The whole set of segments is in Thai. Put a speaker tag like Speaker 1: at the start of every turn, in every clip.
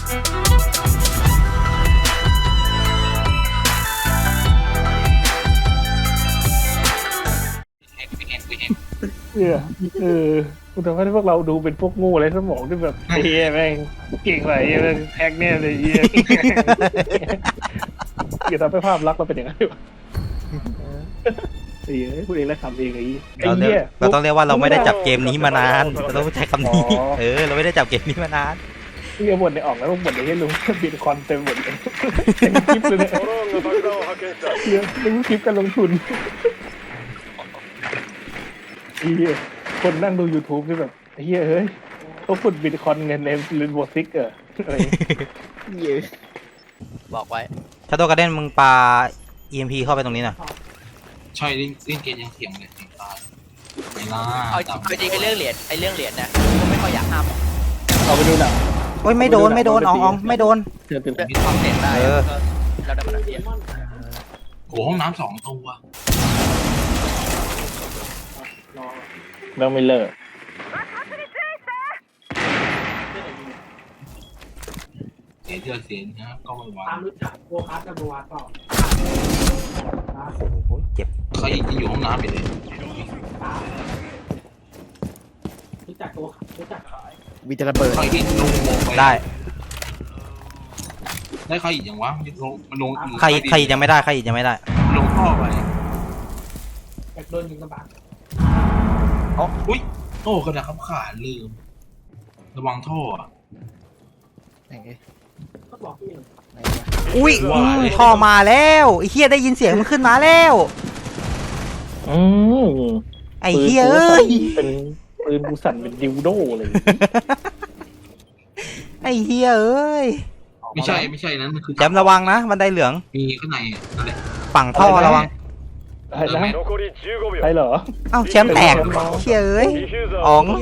Speaker 1: กูทำให้พวกเราดูเป็นพวกโง่เลยสมองที่แบบเฮียแม่งเก่งไรแฮกเนี่ยเลยเฮียอย่าทำให้ภาพลักษณ์เราเป็นอย่างนั้นดีกว่าเฮียพูดเองแล้วทำเองไอ้เฮีย
Speaker 2: เราต้องเรียกว่าเราไม่ได้จับเกมนี้มานานเราต้องใช้คำนี้เราไม่ได้จับเกมนี้มานาน
Speaker 1: เฮียบ่นในออกแล้วบ่นในเฮียลุงบิตคอยน์เต็มหมดเลยเต็มคลิปเลยเนี่ยเฮียลุงคลิปการลงทุนเฮียคนนั่งดู YouTube นี่แบบเฮียเฮ้ยเขาขุดบิตคอยน์เงินในเลนโบซิกอะไรเฮีย
Speaker 3: บอกไว้
Speaker 2: ชาโดว์การ์เด้นมึงปา EMP เข้าไปตรงนี้หน่อย
Speaker 4: ใช่เล่นเกมยังเถียงเลยตายไม่ล่า
Speaker 3: เอาจริงไอ้เรื่องเหรียญนะผมไม่ค่อยอยากห้าม
Speaker 1: เอาไปดูหนัง
Speaker 2: โอ้ยไม่โดนไม่โดนอ๋องไม่โดน
Speaker 3: มีความเสี่ยงได้เราได้มาเรียน
Speaker 4: โอ้ห้องน้ำ2 ตัว
Speaker 1: เราไม่เลิก
Speaker 4: เสียนะก็ไม่ว่า
Speaker 1: รู้จักโบคัสกับโบวัตเปล่า
Speaker 2: เจ็บ
Speaker 4: ใครจะอยู่ห้องน้ำไปเลย
Speaker 1: รู้จักตัวรู้จัก
Speaker 2: มีจะระเบิด
Speaker 4: ใครที่ลง
Speaker 2: ได้
Speaker 4: ใครอีกอย่างวะมันลง
Speaker 2: ใครยังไม่ได้ใครยังไม่ได้
Speaker 4: ลงท่อไป
Speaker 1: โดนยิงกระบะ
Speaker 4: อุ้ยโอ้กระดาษขับขาลืมระวังท่อ
Speaker 2: อุ้ยท่อมาแล้วไอ้เฮียได้ยินเสียงมันขึ้นมาแล้วไอ้เฮียเอ้ย
Speaker 1: เป็นปืนกูสั่นเป็นดิวโดเลย
Speaker 2: ไอ้เฮียเอ้ย
Speaker 4: ไม่ใช่นั้นมันคือ
Speaker 2: แจมระวังนะบันไดเหลือง
Speaker 4: มีข้างในนั่นแหละ
Speaker 2: ฝั่งท่อระวัง
Speaker 1: อะไรนะใช่เหรอ
Speaker 2: เอ้าแชมป์แตกเฮียเอ้ยอ๋อง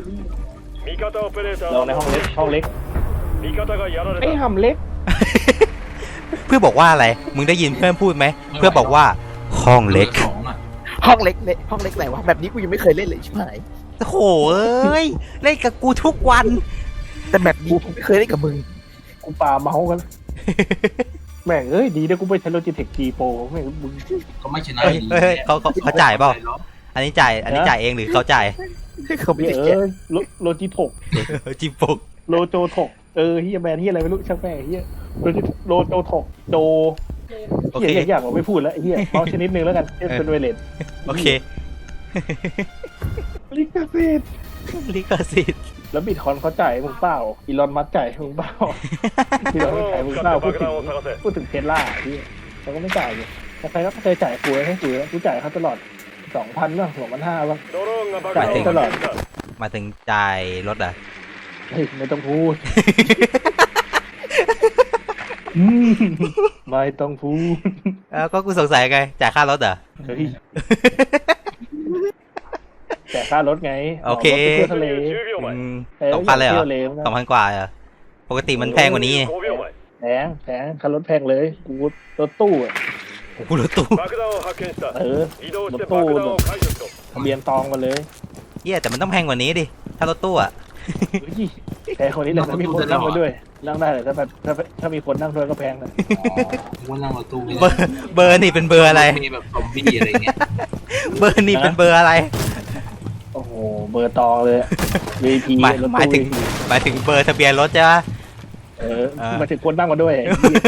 Speaker 1: เราในห้องเล็กไอ้ห้องเล็ก
Speaker 2: เพื่อบอกว่าอะไรมึงได้ยินเพื่อนพูดไหมเพื่อบอกว่าห้องเล็ก
Speaker 3: ห้องเล็กไหนวะแบบนี้กูยังไม่เคยเล่นเลยใช่ไหม
Speaker 2: โอ้โหเอ้ยเล่นกับกูทุกวัน
Speaker 3: แต่แบบนี้กูไม่เคยเล่นกับมึง
Speaker 1: กูปาเมาส์กันแม่งเอ้ยดีนะกูไม่ใช้โลจิเทคจีโปรแม่งมึง
Speaker 4: ก็ไม่ชนะ
Speaker 2: เขาจ่ายเปล่าอันนี้จ่ายเองหรือเขาจ่าย
Speaker 1: เขาไม่โลจิถก
Speaker 2: จิปก
Speaker 1: โลโจถกเฮียแบรนด์เฮียอะไรไม่รู้ช่างแม่งเฮียโลโจถกโดเฮียอย่างเราไม่พูดแล้วเฮียเมาส์ชนิดนึงแล้วกันเป็นไวเลส
Speaker 2: โอเค
Speaker 1: ลิขสิทธิ์แล้วบิตคอยน์เขาจ่ายมึงเปล่าอีลอนมัสก์จ่ายมึงเปล่าอีลอนมัสก์จ่ายมึงเปล่าพูดถึงเทสลาที่เขาก็ไม่จ่ายเลยใครก็เคยจ่ายกูให้กูจ่ายเขาตลอด 2,000 บ้าง 2,500 บ้างจ่ายตลอด
Speaker 2: มาถึงจ่ายรถอ่ะ
Speaker 1: เฮ้ยไม่ต้องพูดไม่ต้องพูด
Speaker 2: ก็กูสงสัยไงจ่ายค่ารถเหรอ
Speaker 1: จ่ายค่ารถไง
Speaker 2: โอเค
Speaker 1: ทะเล
Speaker 2: 2,000เลยเหรอ2,000 กว่าเหรอปกติมันแพงกว่านี้
Speaker 1: แพงค่ารถแพงเลยกูรถตู้
Speaker 2: กูรถตู้
Speaker 1: รถตู้ทะเบียนตองมาเลย
Speaker 2: แต่มันต้องแพงกว่านี้ดิถ้ารถตู้
Speaker 1: แต่คนนี้แหละถ้ามีคนนั่งมาด้วยนั่งได้แต่ถ้ามีคนนั่งด้วยก็แพงนะ
Speaker 4: ว่านั่งรถตู้
Speaker 2: เบอร์นี่เป็นเบอร์อะไร
Speaker 4: มีแบบซอมบี้อะไรเงี้ย
Speaker 2: เบอร์นี่เป็นเบอร์อะไร
Speaker 1: โอ้โหเบอร์ตองเลย VIP
Speaker 2: หมายถึงเบอร์ทะเบียนรถใช่ไหม
Speaker 1: มาถึงคนนั่งมาด้วย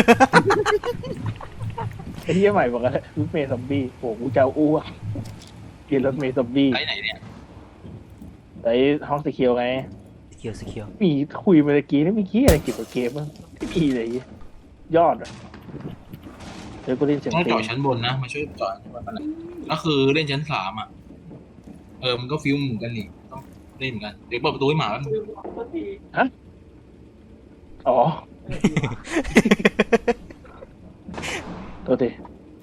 Speaker 1: ไอ้เหี้ยใหม่บอกอะไรรถเมย์ซอมบี้โอ้กูจะอ้วกกินรถเมย์ซอมบี้
Speaker 4: ไปไหนเนี่ย
Speaker 1: ไปห้องสีเขียวไง
Speaker 2: สีเขียว
Speaker 1: มีคุยเมื่อกี้นี่มีขี้อะไรเกี่ยวกับเกมบ้างไม่มีเลยยอดเดี๋ยวกูเล่นเสียง
Speaker 4: ต้องจอดชั้นบนนะมาช่วยจอดอะไรก็คือเล่นชั้น3มันก็ฟิลเหมือนกันนี่ต้องเล่นกันเดี๋ยวเปิดประตูให้หมา
Speaker 1: ฮะอ๋อตัวดิ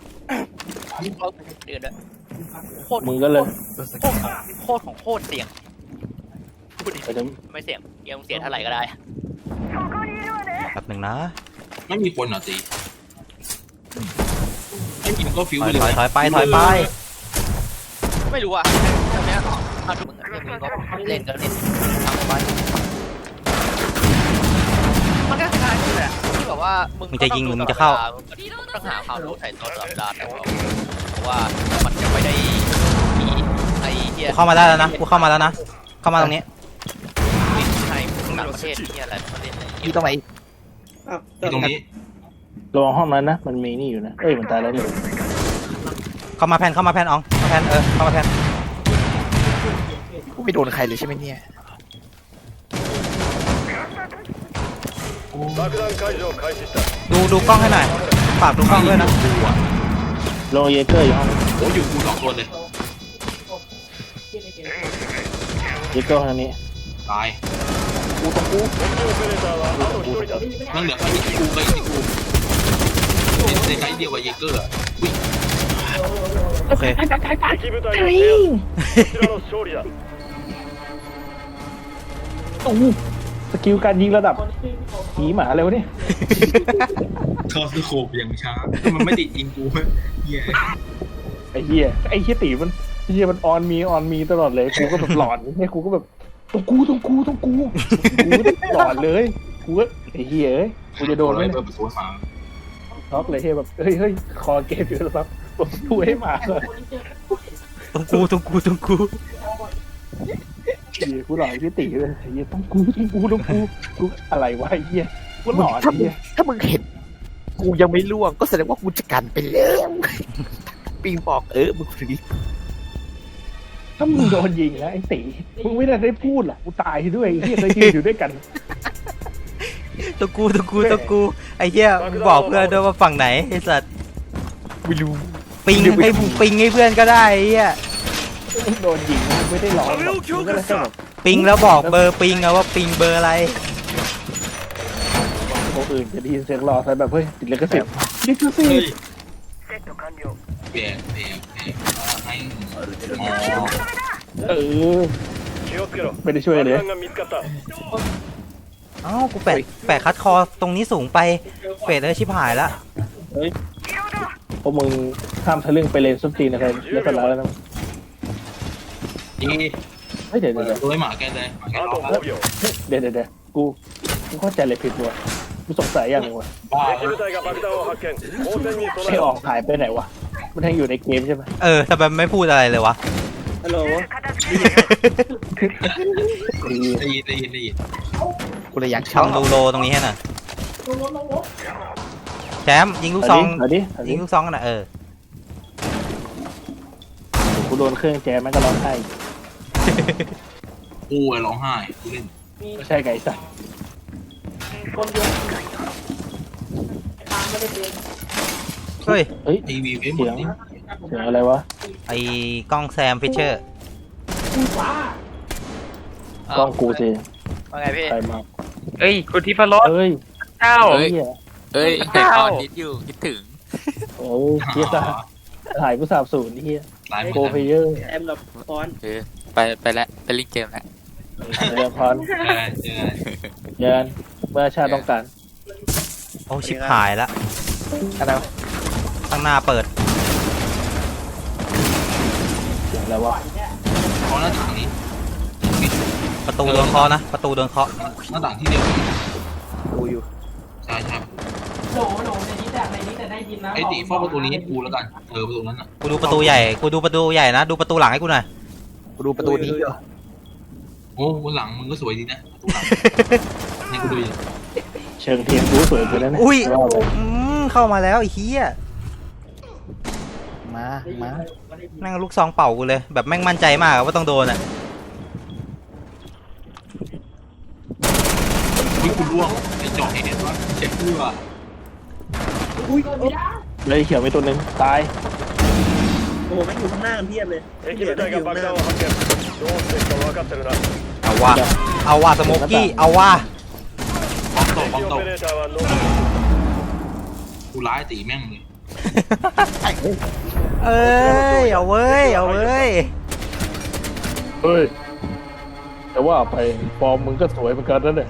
Speaker 3: เดือด
Speaker 1: มึงก็เลย
Speaker 3: โคตรของโคตรเสี่ยงไม่เสี่ยงยังเสียเท่าไหร่ก็ได้
Speaker 2: แป๊บนึงนะ
Speaker 4: ไม่มีคนตีไม่มีมันก็ฟิว
Speaker 2: ถอยไป
Speaker 3: ไม่รู้อ่ะตอนนี้เอาทุกมึงเล่นก็เล่นทำไปมันก็คล้าย
Speaker 5: ว่ามึ
Speaker 2: มึงจะยิงหรือมึงจะเข้า
Speaker 5: ต้องหาความรู้ไถ่ตัวตลอดเวลาแต่ว่าเพราะว่ามันจะไม่ได้มีไอ้เหี้ย
Speaker 2: กูเข้ามาได้แล้วนะกูเข้ามาแล้วนะเข้ามาตรงนี้
Speaker 5: ไทยต่างประเทศที่อะไรประเทศไหน
Speaker 3: อยู่ตรงไหน
Speaker 4: ที่ตรงนี้
Speaker 1: ระวังห้องนั้นนะมันมีนี่อยู่นะเอ้ยมันตายแล้วนี่
Speaker 2: เข้ามาแพนอ๋องเข้ามาแพนเข้ามาแพน
Speaker 3: กูไม่โดนใครเลยใช่ไหมเนี่ย
Speaker 2: ดูกล้องให้หน่อยฝากดูกล้องด้วยนะ
Speaker 1: โลเยเกอร์อยู่ห้อง
Speaker 4: โอ้อยู่กูสองตัวเลย
Speaker 1: เยเกอร์ห้องนี้
Speaker 4: ตาย
Speaker 1: กูต้องกู
Speaker 4: นั่นเหลือแค่อีกกูกับอีกกูในไซส์เดียวกับเยเกอร์อะอุ้ย
Speaker 2: โอเค
Speaker 1: โอ้โหสกิลการยิงระดับผีหมาเลยวะเนี่ย
Speaker 4: ทอสโคบอย่างช้ามันไม่ติดยิงกูเหี้ย
Speaker 1: ไอ้เหี้ยตีมันออนมีตลอดเลยกูก็แบบหลอนเนี่ยกูก็แบบต้องกูหลอนเลยกูก็ไอ้เหี้ยเอ้ยกูจะโดนไหม
Speaker 4: เปิดประตูให้ฟัง
Speaker 1: ช็อกเลยเฮ้ยแบบเฮ้ยคอเกมอยู่แล้วครับผมพูดให้หมาเลย
Speaker 2: ต้องกู
Speaker 1: เหี้ยกูหลอนพี่ตีเลยไอ้เหี้ยต้องกูกูอะไรวะไอ้เหี้ยกูหลอน
Speaker 3: ถ้า
Speaker 1: ไอ้
Speaker 3: มึง
Speaker 1: เหี้ย
Speaker 3: ถ้ามึงเห็นกูยังไม่ล่วงก็แสดงว่ากูจะกันไปแล้วปิงบอกมึงถึง
Speaker 1: ถ้ามึงโดนยิงนะไอ้ตีมึงไม่ได้พูดหรอกกูตายด้วยไอ้เหี้ยเคยยืนอยู่ด้วยกัน
Speaker 2: ต้องกูไอ้เหี้ยมึงบอกเพื่อนด้วยว่าฝั่งไหนไอ้สัตว์
Speaker 3: ไม่รู้
Speaker 2: ปิงให้เพื่อนก็ได้ไอ้เหี้ย
Speaker 1: มึงโดนยิงมึงไม่ได้หลอนหรอกมึงก็เลยแค่แบบ
Speaker 2: ปิงแล้วบอกเบอร์ปิงอะว่าปิงเบอร์อะไร
Speaker 1: คนอื่นจะได้ยินเสียงรอใส่แบบเฮ้ยติดลิขสิทธิ์ลิขสิ
Speaker 4: เฮ้
Speaker 1: ท
Speaker 4: ย
Speaker 1: ธิ์
Speaker 4: เปลี่ยนให้อ๋อ
Speaker 1: เออไม่ได้ช่วยเลย
Speaker 2: เอ้ากูแปะคัดคอตรงนี้สูงไปเฟดเลยชิบหายละ
Speaker 1: เฮ้ยพวกมึงข้ามทะลึ่งไปเลนส้นตีนอะไรเรียบร้อยแล้วนะ
Speaker 4: นี่
Speaker 1: เฮ้ยเดี๋ยว
Speaker 4: เปิดตัวให้หมาแกเลยหมาแกร้องแล้ว
Speaker 1: เดี๋ยวกูเข้าใจเลยผิดว่ะกูสงสัยอย่างหนึงว่ะ
Speaker 4: บ้า
Speaker 1: ไอ้ออกหายไปไหนวะมันยังอยู่ในเกมใช่ไหม
Speaker 2: ทำไมไม่พูดอะไรเลยวะ
Speaker 1: ฮัลโหล
Speaker 4: ได้ยิน
Speaker 3: กูเลยอยาก
Speaker 2: ช่อง
Speaker 3: เช่า
Speaker 2: ดูโลตรงนี้ให้หน่อยแชมป์ยิงลูกซอง
Speaker 1: เอาดิ
Speaker 2: ยิงลูกซองกันนะ
Speaker 1: กูโดนเครื่องแจมแม่งก็ร้องไห้
Speaker 4: กูร้องไห้กูเล่น
Speaker 1: ไม่ใช่ไก่สัตว์
Speaker 2: เฮ้ย
Speaker 1: เฮ้ย
Speaker 4: ทีวีเว้ยหม
Speaker 1: เสี
Speaker 4: ด
Speaker 1: ยง
Speaker 4: นี่
Speaker 1: เสียงอะไรวะ
Speaker 2: ไอ้กล้องแซมฟิชเชอร์
Speaker 1: กล้องกูสิ
Speaker 5: ว่าไงพี่
Speaker 1: ใครมา
Speaker 6: เอ้ยคุณทิพรส
Speaker 1: เฮ้ย
Speaker 6: เจ้า
Speaker 1: เฮ้ย
Speaker 6: เอ้ยแต่ตอนนิดอยู่คิดถึง
Speaker 1: โอ้ยเฮียถ่ายผู้สาบสูญเฮีย
Speaker 4: หลาย
Speaker 1: โกเพเยอร์
Speaker 6: เออไปแล้วไปลิงเกมแล้ว
Speaker 1: เรียนพรเยินเมื่อชาติต้องการ
Speaker 2: โอ้ชิบหายละ
Speaker 3: อะไรวะ
Speaker 2: ข้างหน้าเปิด
Speaker 1: เสียงอะไรวะ
Speaker 4: เพราะหน้าต่างนี้
Speaker 2: ประตูโดนเคาะนะประตูโดนเคาะ
Speaker 4: หน้าต่างที่เดียวกัน
Speaker 3: กูอยู่
Speaker 4: ใช่ไอ้ตีเฝ้าประตูนี้ให้กูแล้วกันประตูนั้นอ่ะ
Speaker 2: กูดูประตูใหญ่นะดูประตูหลังให้กูหน่อย
Speaker 3: กูดูประตูนี้อยู่
Speaker 4: โอ้บนหลังมึงก็สวยดีนะประตูหลังนี่กูดูดิ
Speaker 1: เชิงเทียนกูสวยไปแล้วนะ
Speaker 2: อุ้ย
Speaker 1: ว่าไป
Speaker 2: เข้ามาแล้วไอ้เหี้ย
Speaker 3: มา
Speaker 2: แม่งลูกซองเป่ากูเลยแบบแม่งมั่นใจมากอะว่าต้องโดนอ่ะ
Speaker 4: อุ้ยกูร่วงไอ้จอเห็นว่าเช็คเพื่อ
Speaker 1: เลยเขียวไปตัวหนึ่งตาย
Speaker 2: เอาว่าสโมกกี้เอาว่า
Speaker 4: ป้อมตกกูร้ายตีแม่งเลย
Speaker 2: เอ้ยเอาเว้ย
Speaker 1: เฮ้ยแต่ว่าไปฟอร์มมึงก็สวยเหมือนกันนั่นแหละ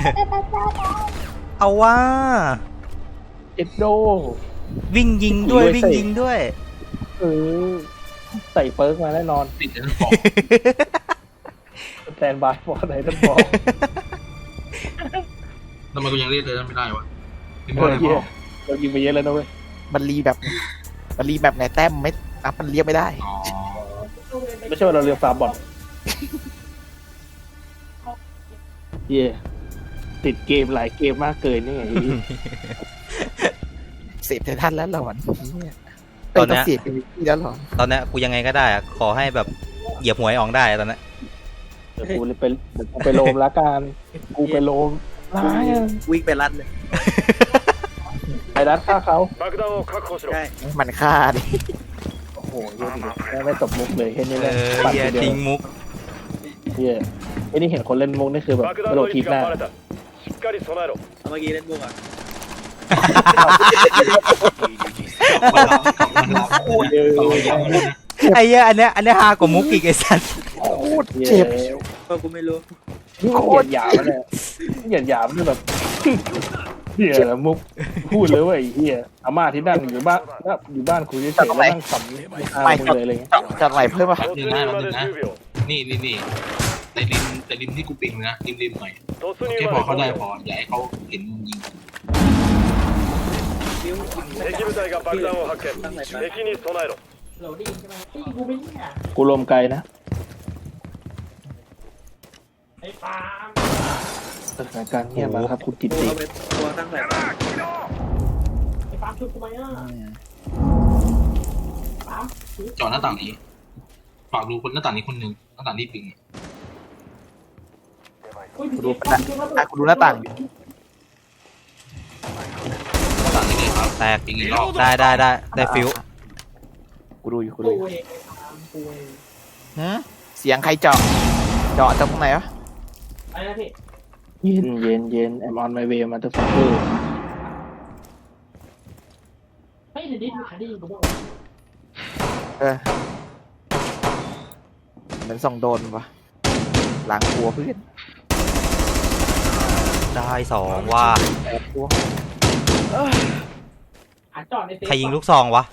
Speaker 2: เอาว่า
Speaker 1: เอ็ดโด
Speaker 2: วิ่งยิงด้วย
Speaker 1: เออใส่เปิร์กมาแน่นอน
Speaker 4: ติดแล้วบอก
Speaker 1: แตนบายฟอร์ไหนท่านบอก
Speaker 4: ทำไมกูยังเรียกเลยไม่ได้วะเป็นเพราะอะไร
Speaker 1: เฮี
Speaker 4: พ่
Speaker 1: ย
Speaker 4: อ
Speaker 1: เรายิงไปเยอะแล้วนะเว้ย
Speaker 3: มันรีแบบไงแต้มไม่นับมันเรียกไม่ได้
Speaker 4: อ๋อ
Speaker 1: ไม่ใช่ว่าเราเรียกฟาร์มบอลเฮียติดเกมหลายเกมมากเกินนี่ไง
Speaker 3: เสพไททันแล้วหลอนเนี่ย
Speaker 2: ตอนเนี้ย
Speaker 3: เสพเป็นที่แล้วหลอน
Speaker 2: ตอนเนี้ยกูยังไงก็ได้อะขอให้แบบเหยียบหวยอองได้อะตอนเนี้ย
Speaker 1: เดี๋ยวกูเลยไปโลมละกันกูไปโลมร้ายอะ
Speaker 7: วิ่งไปรัดเลย
Speaker 1: ไอ้รัดฆ่าเขา
Speaker 7: ใช่
Speaker 3: มันฆ่าดิ
Speaker 1: โอ้โหเฮียดิไม่ตบมุกเลยแค่นี้
Speaker 2: เอ
Speaker 1: เลย
Speaker 2: อเฮียทิ้งมุก
Speaker 1: เฮียไอ้นี่เห็นคนเล่นมุกนี่คือแบบกระโดดทีบหน้า
Speaker 7: เอาเมื่อกี้เล่นบุกอ่ะ
Speaker 4: มันรับมันรับต่อยาวเลยนะ
Speaker 2: ไอ้เหี้ยอันเนี้ยฮากว่ามุกอีกไอ้สัส
Speaker 3: โคตรเจ็บ
Speaker 7: ก็กูไม่รู้
Speaker 1: นี่มันเหยียดหยามมันเลยเหยียดหยามนี่แบบเฮียมุกพูดเลยว่าไอ้เฮียอาม่าที่นั่งอยู่บ้านคุยเฉยๆแล้วนั่งขำไม่ฆ่ามึงเลยอะไรเงี้ย
Speaker 3: จะไหลเพิ่มป่ะ
Speaker 4: หนึ่งนะนี่แต่ริมที่กูปิงนะริมหน่อยแค่พอเขาได้พออย่าให้เขาเห็นมึงยิง
Speaker 7: บิ้วตั้งไหนไป
Speaker 1: กูลมไกลนะสถานการณ์เงียบมากครับคุณกิต
Speaker 7: ตัว
Speaker 1: ติ
Speaker 7: เอาไปตัวตั้งไหนไป
Speaker 4: เจาะหน้าต่างนี้ฝากดูคนหน้าต่างนี้คนหนึ่งหน้าต่างที่ปิง
Speaker 3: กูดูกูดูหน้าต่างอยู่
Speaker 4: หน้าต่างนี้เลยครับ
Speaker 2: แตก
Speaker 4: ปิงอีกรอบ
Speaker 2: ได้ฟิว
Speaker 3: กูดูอยู่เสียงใครเจาะตรงไหนวะ
Speaker 1: เย็นI'm on my way motherfucker
Speaker 3: เออเหมือนส่องโดนปะหลังหัวเพื่อน
Speaker 2: ได้สองว่า
Speaker 3: ตัว
Speaker 2: ใครยิงลูกซองวะ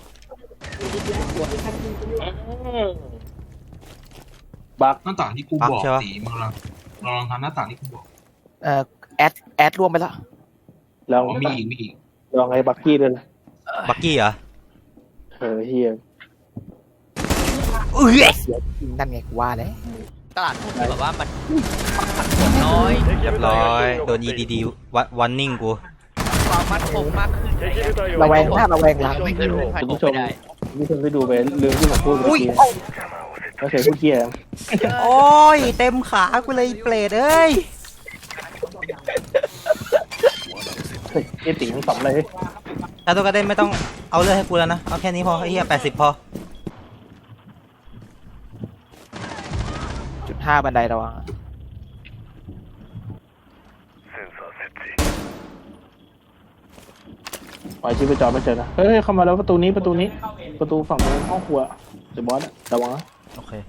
Speaker 1: บัก
Speaker 4: หน้าต่างที่กูบอกสีมึงลองทำหน้าต่างที่กูบอก
Speaker 3: แอดรวมไปแล้ว
Speaker 1: ลอง
Speaker 4: อ๋อมีอีก
Speaker 1: ลองไอ้บักกี้ด้วยนะ
Speaker 2: บักกี้เหรอ
Speaker 1: เฮีย
Speaker 2: เอ้ย
Speaker 3: เสียจริงนั่นไงกูว่าแล้ว
Speaker 5: ตลาดหุ้นแบบว่ามันน้อย
Speaker 2: เรียบร้อยโดน EDD วันนิ่งกู
Speaker 5: ความมั่นคงมากขึ้น
Speaker 3: ระแวงหน้าระแวงหลัง
Speaker 5: ไม่เคยรู้ใคร
Speaker 1: คุณ
Speaker 5: บอก
Speaker 1: ผู้ชม
Speaker 5: ไม่ได้
Speaker 1: คุณผู้ชมได้ดูไปเรื่องที่ผมพูดเมื่อกี้ไม่เคยพูดเคีย
Speaker 2: โอ้ยเต็มขากูเลยเปรตเอ้ย
Speaker 1: เฮ้ยเอติทั้งสองเลย
Speaker 2: ถ้าตัวกระเด็นไม่ต้องเอาเลือดให้กูแล้วนะ เอาแค่นี้พอไอ้เหี้ย80 พอ
Speaker 3: 5บันไดระวัง
Speaker 1: ปล่อยชีพจรไม่เจอนะเฮ้ยเข้ามาแล้วประตูนี้ประตูฝั่งตรงห้องครัวเดี๋ยวบอสระวังนะ
Speaker 2: โอเค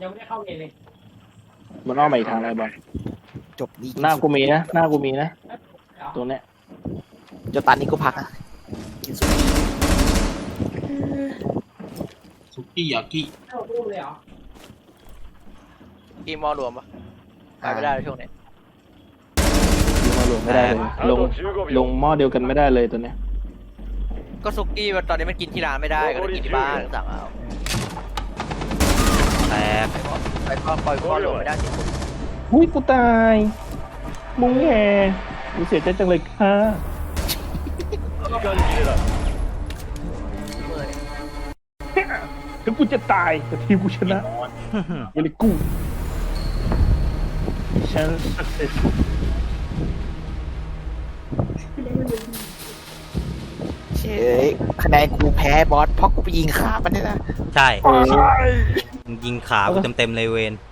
Speaker 1: มันอ้อมมาอีกทางไหนบอส
Speaker 3: จบดี
Speaker 1: หน้ากูมีนะตรงเนี้ย
Speaker 3: จนตอนนี้กูพักอ่ะกินสุกี้
Speaker 4: ซุกี้ยากิ
Speaker 5: ทีมมอรวมปะไปไม่ได้เลยช่วงนี้
Speaker 1: ลงมาหลวงไม่ได้เลยลงหม้อเดียวกันไม่ได้เลยตัวเนี้ย
Speaker 5: ก็ซุกี้ตอนนี้มันกินที่ร้านไม่ได้ก็เลยกินที่บ้านสั่งเอา
Speaker 2: แตก
Speaker 5: ไปก็ปล่อยก็รวมไม่ได้ที่สุด
Speaker 1: อุ้ยกูตายมุ้งแง่กูเสียใจจังเลยค่ะถึงกูจะตายแต่ทีมกูชนะเวลิกูฉัน success
Speaker 3: เชยคะแนนกูแพ้บอสเพราะกูไปยิงขามันเนี่ยนะ
Speaker 2: ใช่ยิงขากูเต็มเลยเวน